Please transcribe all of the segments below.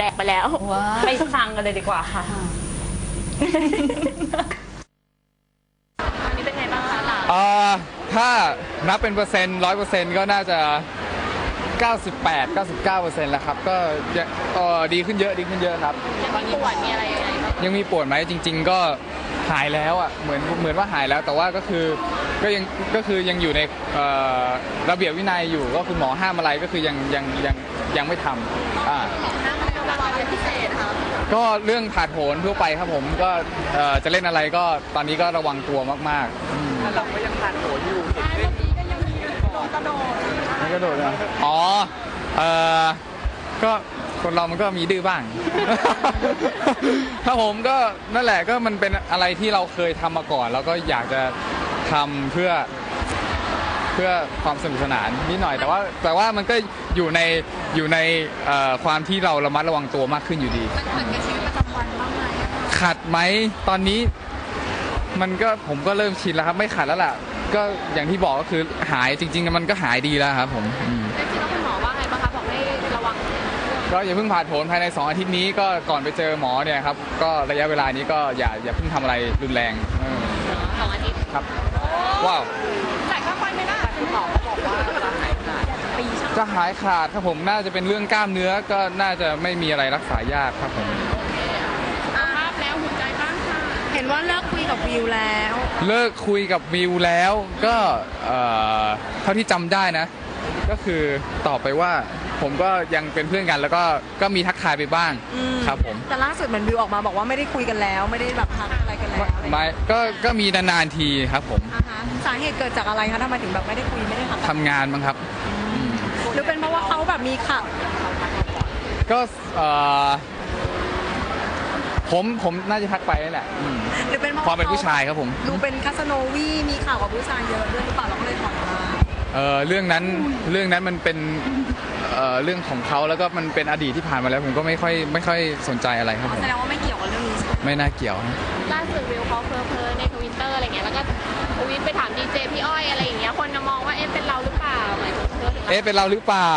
แตกไปแล้วไปฟังกันเลยดีกว่าค่ะอันนี้เป็นไงบ้างคะถ้านับเป็นเปอร์เซ็นต์100%ก็น่าจะ98-99%แล้วครับก็ดีขึ้นเยอะครับยังมีปวดมีอะไรยังไงบ้างยังมีปวดไหมจริงๆก็หายแล้วอ่ะเหมือนว่าหายแล้วแต่ว่าก็คือยังอยู่ในระเบียบวินัยอยู่ก็คือหมอห้ามอะไรก็คือยังไม่ทำอะไรพิเศษครับก็เรื่องผาดโผนทั่วไปครับผมก็จะเล่นอะไรก็ตอนนี้ก็ระวังตัวมากๆเราก็ยังผาดโผนอยู่เล่นก็ยังมีกระโดดนะอ๋อก็คนเรามันก็มีดื้อบ้าง ถ้าผมก็นั่นแหละก็มันเป็นอะไรที่เราเคยทำมาก่อนแล้วก็อยากจะทำเพื่อความสนุกสนานนิดหน่อยแต่ว่ามันก็อยู่ในความที่เราระมัดระวังตัวมากขึ้นอยู่ดีมันขัดกับชีวิตประจำวันบ้างไหมขัดไหมตอนนี้ผมก็เริ่มชินแล้วครับไม่ขัดแล้วล่ะก็อย่างที่บอกก็คือหายจริงๆมันก็หายดีแล้วครับผมจริงๆแล้วคุณหมอว่าไงบ้างคะบอกให้ระวังก็อย่าเพิ่งผ่าโผนภายใน2 อาทิตย์นี้ก็ก่อนไปเจอหมอเนี่ยครับก็ระยะเวลานี้ก็อย่าเพิ่งทำอะไรรุนแรง 2 อาทิตย์ครับว้าวจ่ายค่าไฟไม่ได้คุณหมอบอกว่าจะหายขาดครับผมน่าจะเป็นเรื่องกล้ามเนื้อก็น่าจะไม่มีอะไรรักษายากครับผมภาพแล้วหัวใจบ้างค่ะเห็นว่าเลิกคุยกับวิวแล้วก็เท่าที่จำได้นะก็คือตอบไปว่าผมก็ยังเป็นเพื่อนกันแล้วก็มีทักทายไปบ้างครับผมแต่ล่าสุดเหมือนวิวออกมาบอกว่าไม่ได้คุยกันแล้วไม่ได้แบบทักอะไรกันแล้วไม่ก็มีนานๆทีครับผมสาเหตุเกิดจากอะไรคะทำไมถึงแบบไม่ได้คุยไม่ได้ทำงานมั้งครับหรือเป็นเพราะว่าเขาแบบมีข่าวก็ผมน่าจะทักไปนั่นแหละหรือเป็นเพราะความเป็นผู้ชายครับผมดูเป็นคาสโนวีมีข่าวกับผู้ชายเยอะด้วยหรือเปล่าเราก็เลยถอนมาเรื่องนั้นมันเป็นเรื่องของเขาแล้วก็มันเป็นอดีตที่ผ่านมาแล้วผมก็ไม่ค่อยสนใจอะไรครับผมแสดงว่าไม่เกี่ยวกับเรื่องนี้ไม่น่าเกี่ยวล่าสุดวิวเขาเพ้อในทวิตเตอร์อะไรเงี้ยแล้วก็ทวิตไปถามดีเจพี่อ้อยอะไรอย่างเงี้ยคนจะมองว่าเป็นเราหรือเปล่าหมายถึงเป็นเราหรือเปล่า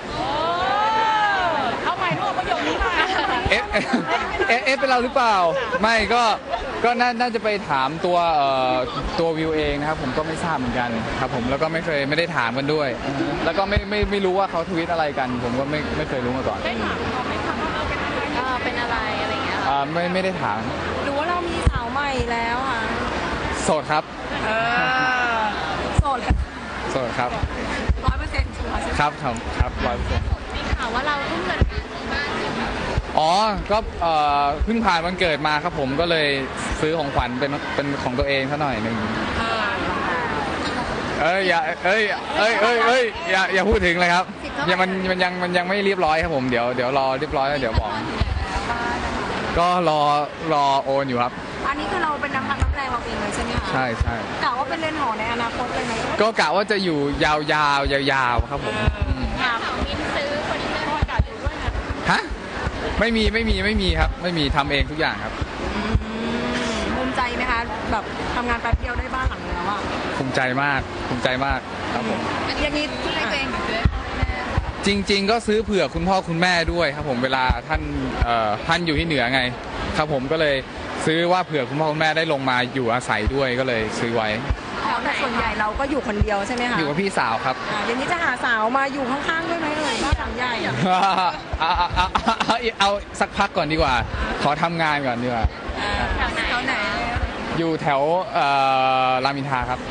เอาใหม่รูปประโยคนี้มาเป็นเราหรือเปล่าไม่ก็น่าจะไปถามตัววิวเองนะครับผมก็ไม่ทราบเหมือนกันครับผมแล้วก็ไม่ได้ถามกันด้วยแล้วก็ไม่รู้ว่าเขาทวิตอะไรกันผมก็ไม่เคยรู้มาก่อนได้ถามเขาไม่ถามว่าเป็นอะไรอะไรเงี้ยไม่ได้ถามหรือว่าเรามีสาวใหม่แล้วค่ะโสดครับโสดครับ 100%ชัวร์ครับ100% มีข่าวว่าเราทุ่มเงินการซื้อบ้านอ๋อก็เพิ่งผ่านวันเกิดมาครับผมก็เลยซื้อของขวัญเป็นของตัวเองซะหน่อยนึงอย่าพูดถึงเลยครับมันยังไม่เรียบร้อยครับผมเดี๋ยวรอเรียบร้อยแล้วเดี๋ยวบอกก็รอโอนอยู่ครับอันนี้คือเราเป็นน้ำพักน้ำแรงเราเองเลยใช่ไหมคะใช่กะว่าเป็นเรือนหอในอนาคตเลยไหมก็กะว่าจะอยู่ยาวครับผมมินซื้อเฟอร์นิเจอร์อากาศอยู่ด้วยนะฮะไม่มีครับไม่มีทำเองทุกอย่างครับภูมิใจไหมคะแบบทำงานแป๊บเดียวได้บ้านหลังนึงแล้วอ่ะภูมิใจมากครับผมอย่างนี้ที่ให้ตัวเองด้วยจริงๆก็ซื้อเผื่อคุณพ่อคุณแม่ด้วยครับผมเวลาท่านอยู่ที่เหนือไงครับผมก็เลยซื้อว่าเผื่อคุณพ่อคุณแม่ได้ลงมาอยู่อาศัยด้วยก็เลยซื้อไว้แต่ส่วนใหญ่เราก็อยู่คนเดียวใช่ไหมคะอยู่กับพี่สาวครับอย่างนี้จะหาสาวมาอยู่ข้างๆด้วยไหมบ้านหลังใหญ่เอาสักพักก่อนดีกว่าขอทำงานก่อนดีกว่าแถวไหนอยู่แถวรามอินทราครับ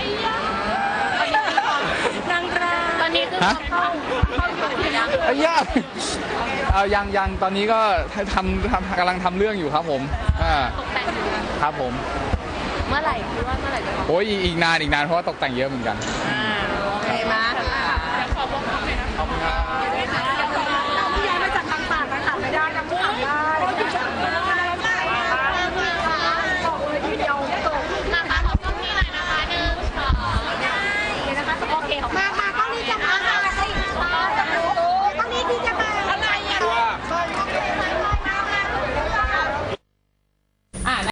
ตอนนี้คือเข้าอยู่ยังตอนนี้ก็กำลังทำเรื่องอยู่ครับผมตกแต่งอยู่ครับผมเมื่อไหร่คิดว่าเมื่อไหร่จะโอ้ยอีกนานเพราะว่าตกแต่งเยอะเหมือนกันโอเคมาขอบคุณครับ